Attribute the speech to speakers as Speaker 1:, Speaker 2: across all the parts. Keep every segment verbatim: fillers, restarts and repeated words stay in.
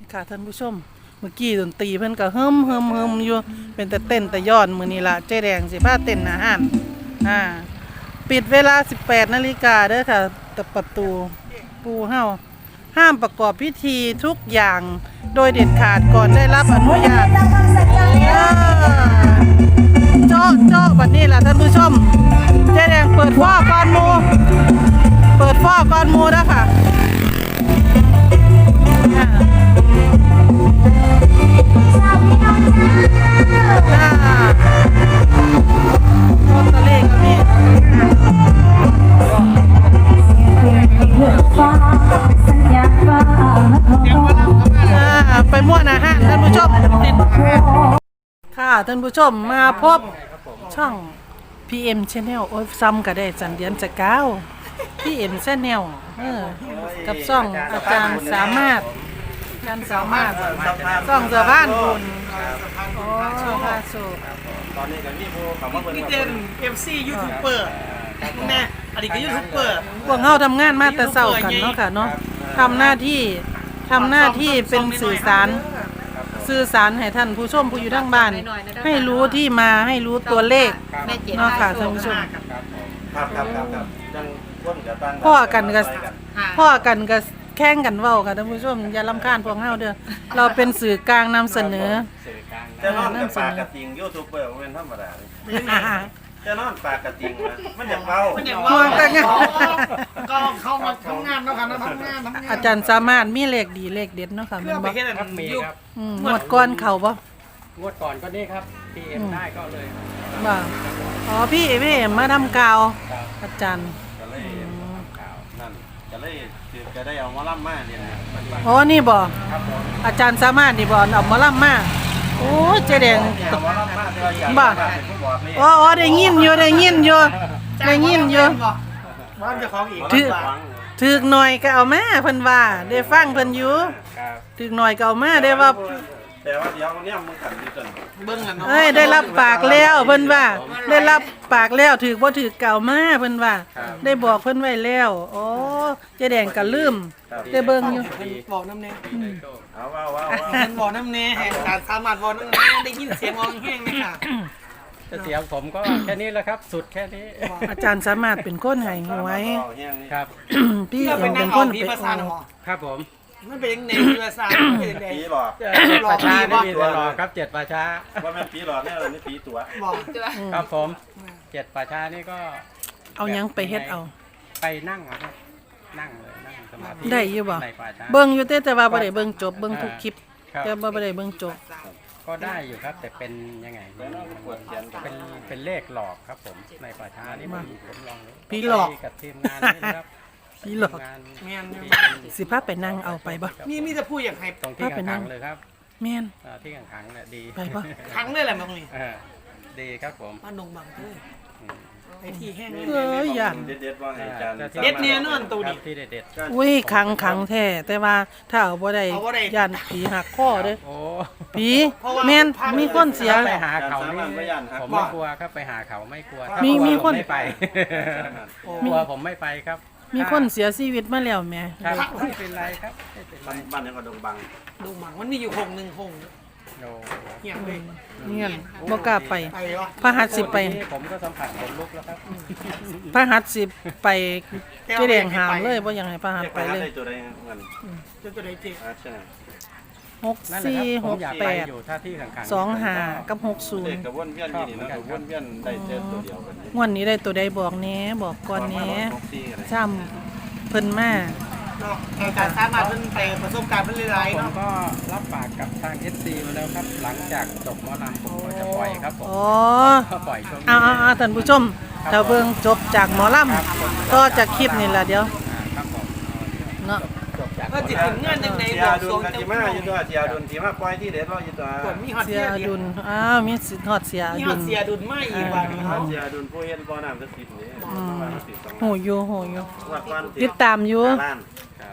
Speaker 1: ค่ะท่านผู้ชมเมื่อกี้ดนตรีเพิ่นก็เฮิมเฮิมเฮิมอยู่เป็นแต่เต้นแต่ย้อนมื้อนี้ล่ะเจ๊แดงสิพาเต้นอาหารอ่าปิดเวลา สิบแปดนาฬิกาเด้อค่ะแต่ประตูปูเฮาห้ามประกอบพิธีทุกอย่างโดยเด็ดขาดก่อนได้รับอนุญาตเจาะเจาะบัดนี้ล่ะท่านผู้ชมเจ๊แดงเปิดฟ้อก่อนหมู่เปิดฟ้อก่อนหมู่เด้อค่ะโรตาเล่ก็มีไปมั่วนะฮะท่านผู้ชมค่ะท่านผู้ชมมาพบช่อง พี เอ็ม Channel โอ้ยซ้ำก็ได้จันเดียนจะก้าว พี เอ็ม Channel เออกับช่องอาจารย์สามารถอาจารย์สามารถช่องเสือบ้านบุญโอ้พาสุ
Speaker 2: ตอนนี้ก็มีผู้เขามาเบิ่ง
Speaker 3: พี่เจน เอฟ ซี ยูทูบเบอร์แม่อดีตก็ยูทูบเบอร์
Speaker 1: พวกเฮาทำงานมาแต่เช้ากันเนาะค่ะเนาะทำหน้าที่ทำหน้าที่เป็นสื่อสารสื่อสารให้ท่านผู้ชมผู้อยู่ทางบ้านให้รู้ที่มาให้รู้ตัวเลขเนาะค่ะท่านผู้ชม
Speaker 2: ครับครับครับครับจังวนกับตั้ง
Speaker 1: พ่อกันก็พ่อกันก็แข่งกันเว้าค่ะท่านผู้ชมอย่ารำคาญพวกเฮาเด้อเราเป็นสื่อกลางนำเสนอ
Speaker 2: จะนอนกับปากกระติงยูทูบเบอร์มันเป็นธรรมดาจะนอนปากกระติงนะมันอยากเบา
Speaker 3: มันอย่างว่าก็เข้ามาทำงานแล้วค่ะนะทำงานทำงาน
Speaker 1: อาจารย์สามารถมีเลขดีเลขเด็ดเนาะค่ะ
Speaker 3: เพื่
Speaker 1: แม่
Speaker 3: อน ไป
Speaker 1: บ่
Speaker 3: แค่นั้นยุค
Speaker 1: อืมงวดก่อนเข้าบ่
Speaker 4: งวดก่อนก็นี่ครับ พี เอ็ม ได้ก็เลย
Speaker 1: บ่อ๋อพี่พี่มาทำกาวอาจารย์
Speaker 2: จะเลยนั่นจะเลยคือจะได้เอามาล่ำมาเนี่ยนะ
Speaker 1: อ๋อนี่บ่อาจารย์สามารถนี่บ่เอาหมอลำมาโอ้ยเจ๊แดง
Speaker 2: เอามาล่ำมาเดี๋ยวอยาก
Speaker 1: บ่
Speaker 2: เป็นผู้บอกนี่
Speaker 1: อ๋ออ๋อได้ยินอยู่ได้ยินอยู่ได้ยินอยู่
Speaker 3: บ้านเจ้าของอีก
Speaker 1: ถือถือหน่อยก็เอามาเพิ่นว่าได้ฟังเพิ่นอยู่ถือหน่อยก็เอามาได้ว่า
Speaker 2: แต่ว่าเดี๋ยวเนี่ยมึงขันดีจน
Speaker 3: เบิ้งกันเนาะ
Speaker 1: เอ้ยได้รับปากแล้วเพิ่นว่าได้รับปากแล้วถือบ่ถือเก่ามาเพิ่นว่าได้บอกเพิ่นไว้แล้วอ๋อเจ๊แดงก็ลืมได้เบิ่งอยู่
Speaker 3: บอกน้ำเน่
Speaker 2: เอาว่าว่าว่า
Speaker 3: เห็นบอกน้ำเน่แห่งการสามารถบอกน้ำเน่ได้ยินเสียงมองแห้งไหมค่ะ
Speaker 4: จะเสียงผมก็แค่นี้แหละครับ สุดแค่นี้
Speaker 1: อาจารย์สามารถเป็นคนให้หวย
Speaker 4: ครับ
Speaker 1: พี่
Speaker 3: เรา
Speaker 1: เอ
Speaker 3: เป็น
Speaker 1: ง
Speaker 3: นั
Speaker 1: เป็
Speaker 3: ก
Speaker 1: น
Speaker 3: เอา
Speaker 1: คน
Speaker 3: ผี
Speaker 1: เป็น
Speaker 3: ภาษาหรอ
Speaker 4: ครับผม
Speaker 3: มันเป็นยังไงผีภาษาเป็นยังไง
Speaker 2: ปีหลอก
Speaker 4: ประชาไม่มีแต่หลอกครับเจ็ดประชา
Speaker 2: ว่าแม่ปีหลอกเนี่ยเรานี่ปีตัว
Speaker 3: บอก
Speaker 4: ครับผมเจ็ดประชานี่ก็
Speaker 1: เอาหยังไปเฮ็ดเอา
Speaker 4: ไปนั่งเอาครับนั่งเลยนั่งสมาธิ
Speaker 1: ได้อยู่บ่
Speaker 4: ในป่าช้า
Speaker 1: เบิ่งอยู่แต่แต่ว่าบ่ได้เบิ่งจบเบิ่งทุกคลิป
Speaker 4: ครับ
Speaker 1: แต่บ่ได้เบิ่งจบ
Speaker 4: ก็ได้อยู่ครับ แต่เป็นยังไงเป็นเป็นเลขหลอกครับผมในป่าช้านี่ผมผมลองดู
Speaker 1: ผีหลอก
Speaker 4: กับทีมงานนี่นะครับ
Speaker 1: ผีหลอก
Speaker 4: ทีมงาน
Speaker 3: แม่น
Speaker 4: ที่เป็น
Speaker 1: สิพาไปนั่งเอาไปบ่
Speaker 3: มีมีจะพูดอย่างไร
Speaker 4: ตรงที่ขังๆเลยครับ
Speaker 1: แม่น
Speaker 4: อ่าที่ขังๆเนี่ยดี
Speaker 1: ไปปะ
Speaker 3: ครั้งเลยแหละมึงนี่
Speaker 4: เออดีครับผม
Speaker 3: บ้านดงบังเลย
Speaker 4: อืม
Speaker 3: ไอ้ที่แห้ง
Speaker 1: เอ้ยย่าน
Speaker 2: เด็ดๆว่าให้อาจารย์
Speaker 3: เด็ดเนี่ยนอนตัว
Speaker 4: ครั
Speaker 3: นี้
Speaker 4: บที่เด็ด
Speaker 1: อุ้ยขังขังแท้แต่ว่าถ้าเอาบ่ได้
Speaker 3: เอาบ่ได้
Speaker 1: ย่านผีหักคอเด้อ
Speaker 4: ๆโอ้
Speaker 1: ผีแม่นมีคนเสีย
Speaker 4: ไปหาเขานี่ผมไม่กลัวครับไปหาเขาไม่กลัวถ้า
Speaker 1: มี
Speaker 4: กลัว
Speaker 1: มีคน
Speaker 4: ผไม่ไปกลัวผมไม่ไปครับ
Speaker 1: มีคนเสียชีวิตมาแล้วแหม่
Speaker 4: ครับไม่เป็นไรครับไม่เป็นไร
Speaker 2: บ้านยังก็ดงบัง
Speaker 3: ดงบังมันมีอยู่หงหนึ่งหง
Speaker 4: โอ้
Speaker 3: เหี้ยงเลย
Speaker 1: เงี้ยบ่กล้าไป
Speaker 3: ไปวะ
Speaker 1: พระหัตถ์สิไป
Speaker 4: วันนี้ผมก็สัมผัสขนลุกแล้วครับ
Speaker 1: พระหัตถ์สิไปเจ๊แดงหามเลยบ่อยากให้พระหัตถ์ไปเลย
Speaker 2: ได้ตัวใดเงิน
Speaker 3: จะตัวไหนเจ๊
Speaker 2: อาใช่
Speaker 1: หก
Speaker 4: นั่นแหละ
Speaker 1: สี่
Speaker 4: ครับผ
Speaker 1: ห
Speaker 4: ม
Speaker 1: ก
Speaker 4: อยาก
Speaker 1: แป
Speaker 4: ไป
Speaker 1: ด
Speaker 4: อยู่ถ้าที่ขังๆ
Speaker 1: สองห้า
Speaker 4: ผม
Speaker 1: กับหกศูน
Speaker 2: เด็
Speaker 1: ย์
Speaker 2: กกับวนเวียนนี่นี่นะกับวนเวียนได้เจอตัวเดียวกัน
Speaker 1: งวดนี้ได้ตัวใดบอกแหน่บอกก่อนแหน่ซ้ำเพิ่นมา
Speaker 3: เนาะไอ้การสามารถเป็นไปประสบการณ์เป็นหลายๆ
Speaker 4: ผม
Speaker 3: เนาะ
Speaker 4: ก็รับปากกับทาง เอส ซี มาแล้วครับ หลังจากจบหมอลำผมก็จะปล่อยครับผม
Speaker 1: อ๋อ
Speaker 4: ก็ปล่อยช่วงนี้
Speaker 1: เอาเอาเอาท่านผู้ชมถ้าเบิ่งจบจากหมอลำก็จากคลิปนี่แหละเดี๋ยว
Speaker 4: อ่าครับผม
Speaker 1: เนาะ
Speaker 4: จบจาก
Speaker 3: ก็จิตถึงเงื่อนยังไง
Speaker 2: เสี
Speaker 3: บ
Speaker 2: ย
Speaker 3: อก
Speaker 2: ดุ
Speaker 3: ทร
Speaker 2: ล
Speaker 3: ง
Speaker 2: กัน
Speaker 3: เจ้า
Speaker 2: ที่มาอยู่ตัวเสียดุลที่มาปล่อยที่เด็ดเราอยู่ตัว
Speaker 3: กดมีฮอต
Speaker 1: เสี
Speaker 3: เสี
Speaker 1: ย
Speaker 3: ย
Speaker 1: อ
Speaker 3: ดุ
Speaker 1: ดุ
Speaker 3: ล
Speaker 1: ลอ้าวมีสิทธิ์ฮอดเสียอ
Speaker 3: มีฮ
Speaker 1: ดุ
Speaker 3: อต
Speaker 1: ล
Speaker 3: เสียดุลไม่อีกวันเขา
Speaker 2: เสียดุลผู้เฮ็ดบ่อน้ำสักสิบนี่
Speaker 1: โหอยู่โหอยู่
Speaker 2: ว่าก่อน
Speaker 1: ติดตามอยู่
Speaker 2: ล้าน
Speaker 1: อ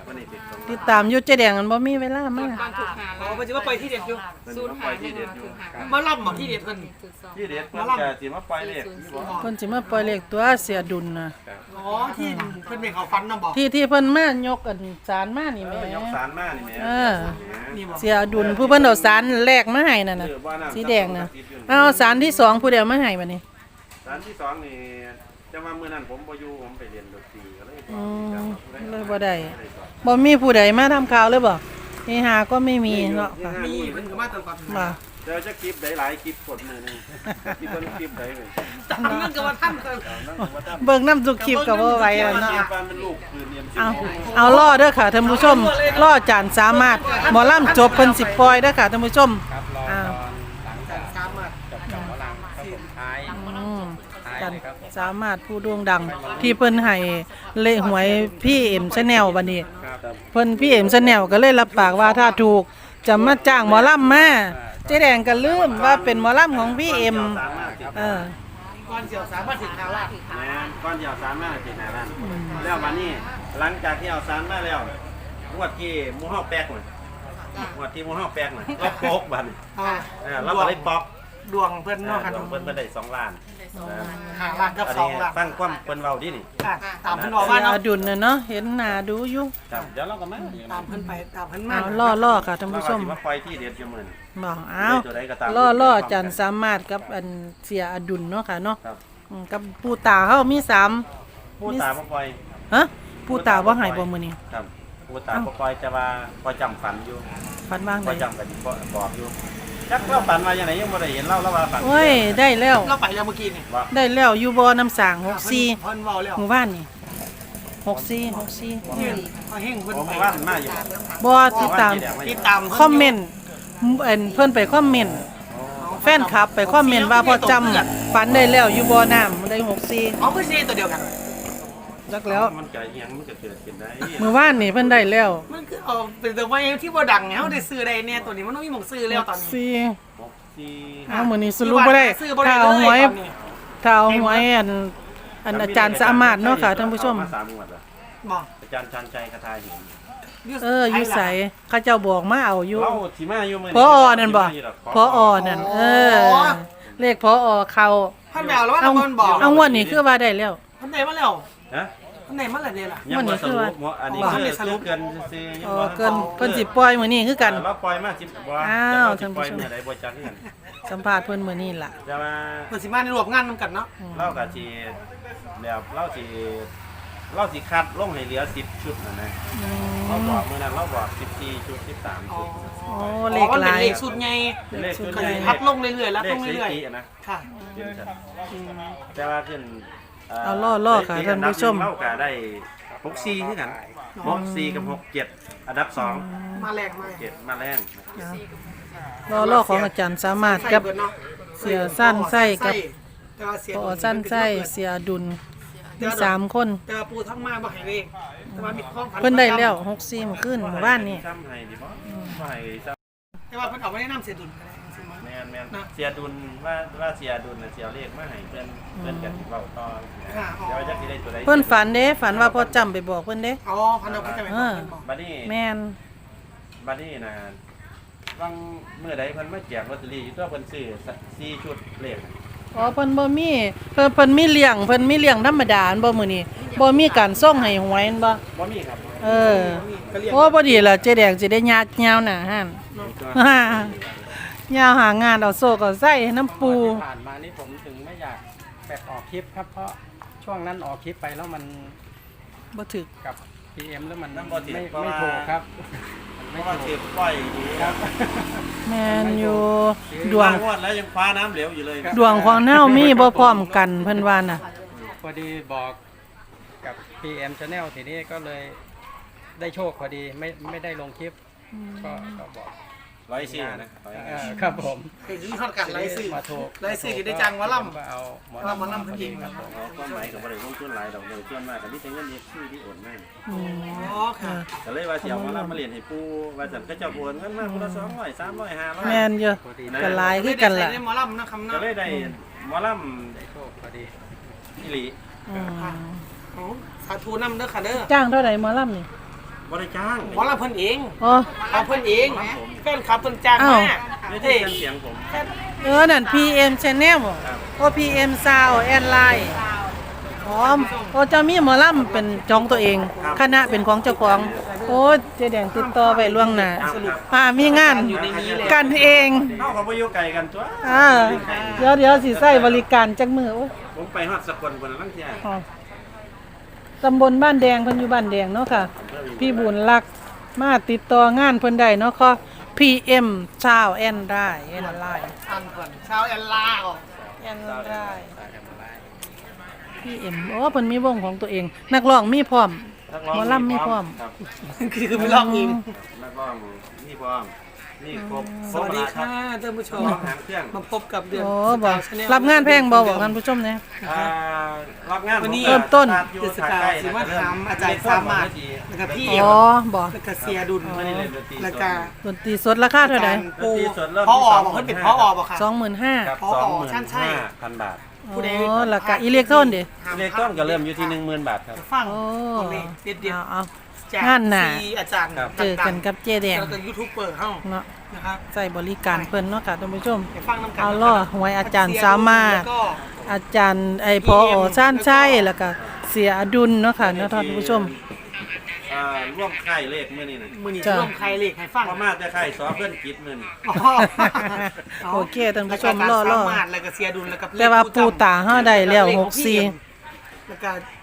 Speaker 2: วันนี้ติดสอง
Speaker 1: ติดตามอยู่เจ๊แดงมันบ่มีเวลามา
Speaker 5: บ้านถูกหา
Speaker 3: อ๋อไปจิว่าไปที่เด็ดอยู่
Speaker 2: มัน
Speaker 5: ศูนย์
Speaker 2: มาป
Speaker 5: หา
Speaker 2: ล่อย
Speaker 5: หนึ่
Speaker 2: ที่
Speaker 5: ง
Speaker 2: เด็ดอยู่
Speaker 5: ถูกหา
Speaker 3: มาล่ำหมอที่เด็ดเพิ่น
Speaker 5: ถูกสอง
Speaker 2: ที่เด็ดเพิ่นจะสิมาปล่อยเลขนี่บ่
Speaker 1: เพิ่นสิมาปล่อยเลขตัวเสียดุลน่ะ
Speaker 3: อ๋อที่เพิ่นเป็นเขาฟันน้ำบอก
Speaker 1: ที่ที่เพิ่นมายกอันศาลมานี่
Speaker 2: เอ
Speaker 1: แหม
Speaker 2: อยกสารมานี่แหม่
Speaker 1: เออ
Speaker 3: นี่บอก
Speaker 1: เสียดุลผู้เพิ่นเอาศาลแรกมาให้นั่นน่ะสีแดงน่ะเอาศาลที่สองผู้เดียวมาให้บัดนี้
Speaker 2: สารที่สองนี่จะมามื้อนั้นผมบ่อยู่ผมไปเรียนดนตรีก็เลย
Speaker 1: อืมเลยบ่ได้บ่มีผู้ใดมาทำข่าวเลยบ่นี่หาก็ไม่มีเนาะค่ะ
Speaker 3: มีเพิ่นก็มาตลอด
Speaker 1: บ่
Speaker 2: เดี๋ยวจะคลิปหลายๆคลิปกดมือหนึงคลิปเพิ่นคลิปใดเลย
Speaker 3: ตามนั่นก็ว่าท่านเพิ่น
Speaker 2: เอานั่งอยู่ว่าทำ
Speaker 1: เบิ่งน้ำทุกคลิปก็บ่ไหวแล้วเนาะ
Speaker 2: เป็นลูกคือเรียน
Speaker 1: เอาเอาล่อเด้อค่ะท่านผู้ชมล่อจานสามารถหมอลำจบเพิ่นสิปล่อยเด้อค่ะท่านผู้ชม
Speaker 4: ครับรอ
Speaker 1: อ้าว
Speaker 4: ตอนหลังจาก
Speaker 3: สามารถ
Speaker 4: จบจากหมอลำครับผมท้าย
Speaker 1: อืม
Speaker 4: ท้าย
Speaker 1: จาน
Speaker 4: เลยครับ
Speaker 1: สามารถผู้โด่งดัง ที่เพิ่นให้เลขหวยพี่เอ็มชาแนลบัดนี้
Speaker 2: ครับ
Speaker 1: เพิ่นพี่เอ็มชาแนลก็เลยรับปากว่าถ้าถูกจะมาจ้างหมอลำมาเจ๊แดงก็ลืมว่าเป็นหมอลำของพี่เอ็ม
Speaker 2: สามารถติด
Speaker 1: เออ
Speaker 3: ก่อนเสียวสามารถถึงทางลาด
Speaker 2: แม่นก้อนเดียวสามารถติดหน้าร้านแล้ววันนี้หลังจากที่เอาสารมาแล้วงวดที่หมู่เฮาแป๊กน่ะงวดที่หมู่เฮาแป๊กน่ะเราโป๊กบัดนี้
Speaker 3: อ่า
Speaker 2: เออเราก็เลยป๊อก
Speaker 3: ดวงเพิ่น
Speaker 2: เอ
Speaker 3: เนาะ
Speaker 2: อ
Speaker 3: ค่ะ
Speaker 2: ดวงเพิ่นเพิ่นได้สองล้านนะ
Speaker 3: หาล้านกับ
Speaker 2: อัน
Speaker 3: สอง
Speaker 2: นี้
Speaker 3: ล้าน
Speaker 2: ฟังความเพิ่นเว้าดินี่
Speaker 3: อ่ะตามเพิ่นบอกว่า
Speaker 1: เสีย
Speaker 3: เนาะ
Speaker 1: อดุลน่ะเนาะเห็นหน้าดูอยู่
Speaker 2: ครับเดี๋ยวเราก็มา
Speaker 3: ตามเพิ่นไปตามเพิ่นมา
Speaker 1: เอาล่อล่อค่ะท่าน
Speaker 2: เรา
Speaker 1: ผู้
Speaker 2: ก็
Speaker 1: ช
Speaker 2: สิ
Speaker 1: ม
Speaker 2: มาปล่อยที่เด็ดอยู่มื้อนี้
Speaker 1: บอกอ้าว
Speaker 2: ตัวใดก็ตาม
Speaker 1: ล่อล่อจันสามารถกับอันเสียอดุลเนาะค่ะเนาะ
Speaker 2: ครับ
Speaker 1: อืมกับปูตาเฮามีสาม
Speaker 2: ผู้ตาบ่ปล่อย
Speaker 1: ฮะปูตาบ่ให้บ่มื้อนี้
Speaker 2: ครับผู้ตาบ่ปล่อยแต่ว่าพอจำฝันอยู่
Speaker 1: ฝันบ้าง
Speaker 2: พอ
Speaker 1: ได้
Speaker 2: จำกันบอกอยู่จักเราฝันว่าอย่างไรยังบ่ได้เห็นเล่าแล้วว่าฝัน
Speaker 1: โอ้ยได้แล้ว
Speaker 3: เราไปแล้วเมื่อกี้นี่
Speaker 2: ว่า
Speaker 1: ได้แล้วอยู่บ่น้ำสางหกสี่
Speaker 3: เพิ่นเว้าแล้ว
Speaker 1: หมู่บ้านนี่หกสี่หกสี่
Speaker 3: เฮงเอาเฮงเพิ่น
Speaker 2: ผม
Speaker 3: ไป
Speaker 2: ว่ามันมาอยู่
Speaker 1: บ่ติดตาม
Speaker 3: ติดตาม
Speaker 1: คอมเมนต์เอิ่นเพิ่นไปคอมเมนต์แฟนคลับไปคอมเมนต์ว่าพอจำฝันได้แล้วอยู่บ่น้ำได้หกสี่
Speaker 3: อ๋อเพิ่นสิตัวเดียวกัน
Speaker 1: จักแล้ว
Speaker 2: มันเกิดอิหยังมันก็เกิดขึ้นได้
Speaker 1: เมื่อวานนี่เพิ่นได้แล้ว
Speaker 3: มันคือเอาเป็นตัวไว้ที่บ่ดังเนี่ยเฮาได้ซื้อได้เนี่ยตัวนี้มันต้องมีหม่องซื้อแล้วตอนนี้
Speaker 1: สี่
Speaker 2: หกสี่
Speaker 1: เอามื้อนี้สรุปบ่ได้
Speaker 3: ซื้อบ่ได้
Speaker 1: ถ้าเอาหวย
Speaker 3: เลยตอนนี้
Speaker 1: ถ้าเอาหวยอันอันอาจารย์สามารถเนาะค่ะท่านผู้ชม
Speaker 2: มาสามงวดแล้ว
Speaker 3: บอก
Speaker 2: อาจารย์ชันใจคาถาหิน
Speaker 1: เอออยู่ไสเขาเจ้าบอกมาเอาอยู่
Speaker 2: เล่าสิมาอยู่มื้อ
Speaker 1: พออนั่นบ่พออนั่นเออ เลขพออเข้า
Speaker 3: ท่านแมวแล้วว่า
Speaker 1: เอา
Speaker 3: ท่านบอก
Speaker 1: เอางวดนี้คือว่าได้แล้ว
Speaker 3: ท่านไหนมาแล้ว
Speaker 2: ฮะ
Speaker 3: ท่านไหนมาแล้วเนี่ยล่ะ
Speaker 2: ยังบ่สรุปบ่อันนี้
Speaker 1: บ่
Speaker 2: คือคือเกินซื่อๆยัง
Speaker 1: อ๋อ
Speaker 2: บ่
Speaker 1: เกินเพิ่นสิปล่อยมื้อนี้คือกัน
Speaker 2: เราปล่อยมาสิบบ่
Speaker 1: อ้าว
Speaker 2: จะปล่อย
Speaker 1: ท่านผู้ชม
Speaker 2: เมื่อใดบ่จักคือกัน
Speaker 1: สัมภาษณ์เพิ่นมื้อนี้ล่ะ
Speaker 2: จะมา
Speaker 3: เปิดสิมาในรวมงานนำกันเนาะ
Speaker 2: เราก็สิแบบเราสิเราสิคัดลงให้เหลือสิบชุดนั่นนะ
Speaker 1: อื
Speaker 2: เรา
Speaker 1: ม
Speaker 2: บอกมื้อนั้นเราบอกสิบสี่ชุดสิบสาม
Speaker 3: อ๋อ
Speaker 2: ชุด
Speaker 1: โอ้
Speaker 3: อ๋
Speaker 1: เล
Speaker 3: อ
Speaker 1: ข
Speaker 3: มัน
Speaker 1: ห
Speaker 3: เป็น
Speaker 1: ลาย
Speaker 3: เลขสุดใหญ่
Speaker 2: เป็นเลขชุด
Speaker 1: เลข
Speaker 2: ใหญ่
Speaker 3: พัดลงเรื่อยๆแล้ว
Speaker 2: เล
Speaker 3: ล
Speaker 2: ข
Speaker 3: ง
Speaker 2: สถิ
Speaker 3: เรื่อย
Speaker 2: ติอะนะ
Speaker 3: ๆค่ะ
Speaker 2: เห็นชัด
Speaker 3: อืม
Speaker 2: แต่ว่าขึ้น
Speaker 1: เอาล่อๆค่ะท่านผู้ชม
Speaker 2: เราก็ได้หกสี่คือกันหกสี่กับหกเจ็ดอันดับสอง
Speaker 3: มาแรงมา
Speaker 2: เจ็ดมาแรง
Speaker 1: รอรอของอาจารย์สามารถกับ เสียสั้นไส้กับ
Speaker 3: แต่ว่าเสีย
Speaker 1: พอสั้นไส้เสียดุลมีสามคน
Speaker 3: แต่ว่าปูทั้งมาบ่ให้เลขแต่ว่ามีข้อฝัน
Speaker 1: เพิ่นได้แล้วหกสี่มื้อคืนหมู่บ้านนี่
Speaker 2: ซ้ำให้ดิบ่บ่ให้ซ้
Speaker 3: แต่ว่าเพิ่นเอาไว้แนะนำเสียดุลก็ได้จริงๆ
Speaker 2: ำ
Speaker 3: มั้ย
Speaker 2: แม่นแม่น
Speaker 3: นะ
Speaker 2: เสียดุลว่าว่าเสียดุลน่ะเสียเลขมาให้เพิ่นเพิ่นกันเว้าต่อ
Speaker 3: ค่ะอ๋อ
Speaker 2: เดี๋ยวจะสิได้ตัวใด
Speaker 1: เพิ่นฝันเด้ฝันว่าพอจำไปบอกเพิ่นเด้
Speaker 3: อ๋อพันเอาเพิ่นจะไปบอกเพิ่นบอก
Speaker 2: บัดนี้
Speaker 1: แม่น
Speaker 2: บัดนี้นะบางเมื่อใดเพิ่นมาแจกลอตเตอรี่อยู่ตัวเพิ่นซื้อสี่ชุดเลข
Speaker 1: อ๋อเพิ่นบ่มีเพิ่นเพิ่นมีเลี้ยงเพิ่นมีเลี้ยงธรรมดาอันบ่มื้อนี้บ่มีการส่งให้หวยอันบ่
Speaker 2: บ่มีครับ
Speaker 1: เออ
Speaker 3: ก็เรียก
Speaker 1: โอ้บ่ดีล่ะเจ๊แดงสิได้ยากยาวหน้าหั่น ยาวหางานเอาโซกเอาไส้น้ำปู
Speaker 4: ที่ผ่านมานี่ผมถึงไม่อยากแบบออกคลิปครับ เพราะช่วงนั้นออกคลิปไปแล้วมัน
Speaker 1: บ่ถึก
Speaker 4: กับ พี เอ็ม แล้วมัน
Speaker 2: น้ำบ่ติด
Speaker 4: ไม่
Speaker 2: เพราะ
Speaker 4: ไม่
Speaker 2: ว่า
Speaker 4: ถูกครับ
Speaker 2: เพ
Speaker 4: ไม่
Speaker 2: ราะว่า
Speaker 4: ถู
Speaker 2: สิ
Speaker 4: ก
Speaker 2: ปล่อยดี
Speaker 4: ครับ
Speaker 1: แม่นอยู่ดวง
Speaker 2: งวดแล้วยังคว้าน้ำเหลวอยู่เลย
Speaker 1: ดวงของเฮามีบ่พร้อมกันเพิ่นว่าน่ะ
Speaker 4: พอดีบอกกับ พี เอ็ม Channel ทีนี้ก็เลยได้โชคพอดีไม่ไม่ได้ลงคลิปก็ก็บอก
Speaker 2: ร้อยสี่นะร้อย
Speaker 4: เอ
Speaker 2: สี่
Speaker 4: อครับผม
Speaker 3: คือที่ทอดกันไล่ซื้อ
Speaker 4: มาถูก
Speaker 3: ไล่ซื้อกิได้จังวะล่ำ
Speaker 4: ก็เอาหมอ
Speaker 3: เอาหมอลำ
Speaker 4: พอดีครับผม
Speaker 2: เอาความหมายกับบ่ได้ลงทุนหลายดอกเลยส่วนมากก็มีแต่เงินเย็บชื่อที่โอนมา
Speaker 1: อืม
Speaker 3: อ๋อค่ะ
Speaker 2: ก็เลยว่าสิเอามารับมาเรียนให้ปู่ว่าซั่นก็เจ้าโอนเงินมาคนละสองร้อยสามร้อยห้าร้อย
Speaker 1: แม่นอยู่
Speaker 4: พอดี
Speaker 1: ก็หลายคือกันล่ะ
Speaker 3: ใส่ในหมอลำนะครับ
Speaker 2: ก็
Speaker 3: เนาะ
Speaker 2: เลยได้หมอล
Speaker 4: ได้โชคพอดี
Speaker 2: ำอีหลี
Speaker 1: อืม
Speaker 3: โอ้สาธุนำเด้อค่ะเด้อ
Speaker 1: จ้างเท่าใดหมอลำนี่
Speaker 2: บ่ได้จ้าง
Speaker 3: หมอลำเพิ่นเอง
Speaker 1: โอ้
Speaker 3: เอาเพิ่นเองแฟนคลับเพิ่นจ้างมา
Speaker 2: ไม่ได้
Speaker 3: เฮ้ย
Speaker 2: ยินเสียงผม
Speaker 1: เออนั่น พี เอ็ม Channel บ่โอ้ พี เอ็ม Sound and Light อ๋อโอ้เจ้ามีหมอลำเป็นจองตัวเอง คณะเป็นของเจ้าของ โอ้เจ๊แดงติดต่อไปล่วงหน้าอ่ามีงานกันเอง
Speaker 2: เฮาก็บ่อยู่ไกลกันตัว
Speaker 1: อ่าเดี๋ยวเดี๋ยวสิใช้บริการจักมือโอ้ย
Speaker 2: ผมไปฮอดสกลพุ่นลังเที่ย
Speaker 1: อ๋อตำบลบ้านแดงเพิ่นอยู่บ้านแดงเนาะค่ะ พี่บุญรักมาติดต่องานเพิ่นได้เนาะค่ะ พี เอ็ม Sound and Light แอนไลน์
Speaker 3: อันก่อนชาวแอนลาก่อน
Speaker 1: แอนไลน์ พี เอ็ม โอ้เพิ่นมีวงของตัวเอง นักร้องมีพร้อม หมอลำมีพร้อม
Speaker 2: ครับ
Speaker 3: คือคือไม่ลองเอง
Speaker 2: นักร้องมีพร้อมนี่ครบ
Speaker 3: สวัสดีค่ะท่านผู้ชม
Speaker 2: ร้องหางเครื่อง
Speaker 3: มาพบกับเดือน
Speaker 1: โอ้บอกรับงานแพงบ่บอกท่านผู้ชมเนี่ย
Speaker 2: อ่ารับงาน
Speaker 3: วันนี้
Speaker 1: เริ่มต้น
Speaker 3: เดือนสกาวสิว่าถามอาจารย์สามารถแล้วก็พี่
Speaker 1: อ๋อบอก
Speaker 3: แล้วก็เสียดุล
Speaker 2: ไม่ได้เล่นดนตรี
Speaker 3: แล้วก็
Speaker 1: ดนตรีสดราคาเท่าไหร่
Speaker 3: ปูพ่อออกบอกเพิ่นเป็นพ่อออกบอกค่ะ
Speaker 1: สองหมื่นห้า
Speaker 2: ครับ
Speaker 3: พอ
Speaker 2: สองหมื่น
Speaker 3: ใช่ใช่
Speaker 2: ห้าพันบาท
Speaker 3: ผู้ใด
Speaker 1: โอ้แล้วก็อิเล็กโทรนดิ
Speaker 2: อิเล็กตรอนก็เริ่มอยู่ที่หนึ่งหมื่นบาทครับ
Speaker 3: ฟัง
Speaker 1: โอ้
Speaker 3: ตรงนี้เด็ดเด็ด
Speaker 1: เอาเอา
Speaker 3: จาก
Speaker 1: งานหน้า
Speaker 3: ซีอาจารย์
Speaker 2: ครับ
Speaker 1: เจอกันกับเจ๊แดง
Speaker 3: แล้วก็ยูทูบเบอร์เฮา
Speaker 1: เนาะ
Speaker 3: นะครับ
Speaker 1: ใส่บริการเพิ่นเนาะค่ะท่านผู้ชม
Speaker 3: ไปฟังน้ำกัน
Speaker 1: เอาล่อหวยอาจารย์สามารถ
Speaker 3: แล้วก็
Speaker 1: อาจารย์ไอพออชานชัยแล้วก็เสียอดุลเนาะค่ะเนาะท่านผู้ชม
Speaker 2: อ่าร่วมค่ายเลขมื้อนี้น่ะ
Speaker 3: มือนี้
Speaker 1: จ้ะ
Speaker 3: ร่วมใครเลขให้ฟัง
Speaker 2: พอมาแต่ค่ายสอเพิ่นกิจมื้อนี้
Speaker 3: อ๋อ
Speaker 1: โอเคท่านผู้ชม
Speaker 3: แล้วก็
Speaker 1: รอๆ
Speaker 3: สามารถแล้วก็เสียดุลแล้วก็
Speaker 1: แต่ว่าปูตาเฮาได้แล้วหกสี่
Speaker 3: แล้วก็